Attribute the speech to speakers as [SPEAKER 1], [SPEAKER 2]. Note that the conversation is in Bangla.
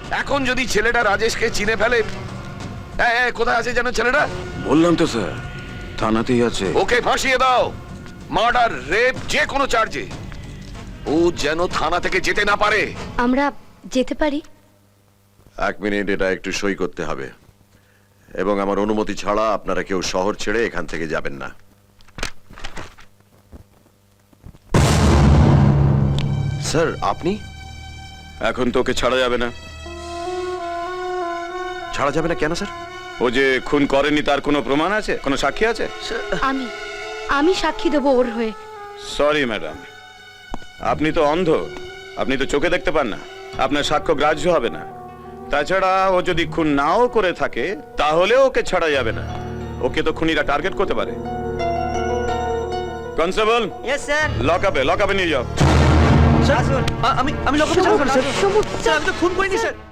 [SPEAKER 1] এখন যদি ছেলেটা রাজেশকে চিনে ফেলে, কোথায় আছে যেন ছেলেটা?
[SPEAKER 2] বললাম তো স্যার, থানাতেই আছে।
[SPEAKER 1] ওকে ফাঁসিয়ে দাও, মার্ডার, রেপ, যে কোনো চার্জে। ও যেন থানা থেকে যেতে না পারে।
[SPEAKER 3] আমরা যেতে পারি?
[SPEAKER 4] 1 মিনিট, এটা একটু সই করতে হবে, এবং আমার অনুমতি ছাড়া আপনারা কেউ শহর ছেড়ে এখান থেকে যাবেন না। স্যার, আপনি?
[SPEAKER 2] এখন তো ওকে ছাড়া যাবে না।
[SPEAKER 4] ছাড়া যাবে না কেন স্যার?
[SPEAKER 2] ও যে খুন করেনি তার কোনো প্রমাণ আছে, কোনো সাক্ষী আছে?
[SPEAKER 3] আমি সাক্ষী দেবো ওর হয়ে।
[SPEAKER 2] সরি ম্যাডাম, আপনি তো অন্ধ, আপনি তো চোখে দেখতে পান না, আপনার সাক্ষ্য গ্রাহ্য হবে না। তাছাড়া ও যদি খুন নাও করে থাকে তাহলে ওকে ছাড়া যাবে না, ওকে তো খুনিরা টার্গেট করতে পারে। Constable,
[SPEAKER 5] yes sir.
[SPEAKER 2] লকআপে নিয়ে যাও।
[SPEAKER 5] স্যার, আমি লকআপে যাব স্যার। স্যার, আমি তো খুন করিনি স্যার।